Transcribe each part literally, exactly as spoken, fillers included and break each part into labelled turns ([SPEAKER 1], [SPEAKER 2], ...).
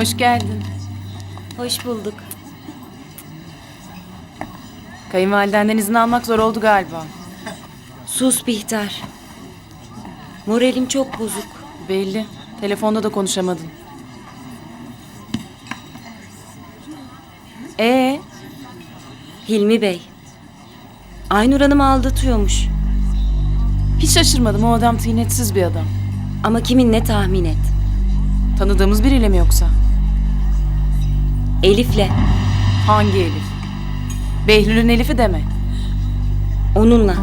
[SPEAKER 1] Hoş geldin.
[SPEAKER 2] Hoş bulduk.
[SPEAKER 1] Kayınvalidenden izin almak zor oldu galiba.
[SPEAKER 2] Sus Bihter. Moralim çok bozuk.
[SPEAKER 1] Belli. Telefonda da konuşamadın. Ee,
[SPEAKER 2] Hilmi Bey. Aynur Hanım'ı aldatıyormuş.
[SPEAKER 1] hiç şaşırmadım, o adam tıynetsiz bir adam.
[SPEAKER 2] Ama kimin ne tahmin et.
[SPEAKER 1] Tanıdığımız biriyle mi yoksa?
[SPEAKER 2] Elif'le.
[SPEAKER 1] Hangi Elif? Behlül'ün Elif'i deme.
[SPEAKER 2] Onunla.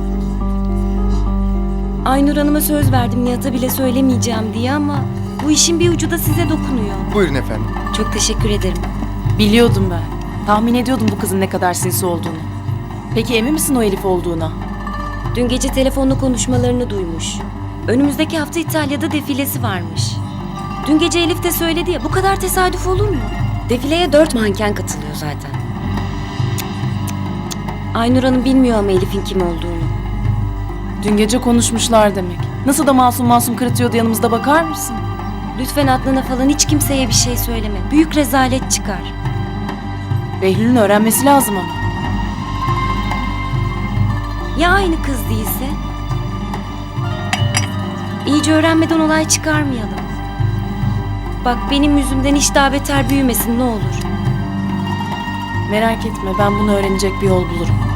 [SPEAKER 2] Aynur Hanım'a söz verdim Nihat'a bile söylemeyeceğim diye ama bu işin bir ucu da size dokunuyor.
[SPEAKER 3] Buyurun efendim.
[SPEAKER 2] Çok teşekkür ederim.
[SPEAKER 1] Biliyordum ben. Tahmin ediyordum bu kızın ne kadar sinsi olduğunu. Peki emin misin o Elif olduğuna?
[SPEAKER 2] Dün gece telefonla konuşmalarını duymuş. Önümüzdeki hafta İtalya'da defilesi varmış. Dün gece Elif de söyledi ya, bu kadar tesadüf olur mu? Defileye dört manken katılıyor zaten. Aynur Hanım bilmiyor ama Elif'in kim olduğunu.
[SPEAKER 1] Dün gece konuşmuşlar demek. Nasıl da masum masum kırıtıyordu, yanımızda bakar mısın?
[SPEAKER 2] Lütfen Adnan'a falan hiç kimseye bir şey söyleme. Büyük rezalet çıkar.
[SPEAKER 1] Behlül'ün öğrenmesi lazım ama.
[SPEAKER 2] Ya aynı kız değilse? İyice öğrenmeden olay çıkarmayalım. Bak benim yüzümden hiç daha beter büyümesin ne olur.
[SPEAKER 1] Merak etme, ben bunu öğrenecek bir yol bulurum.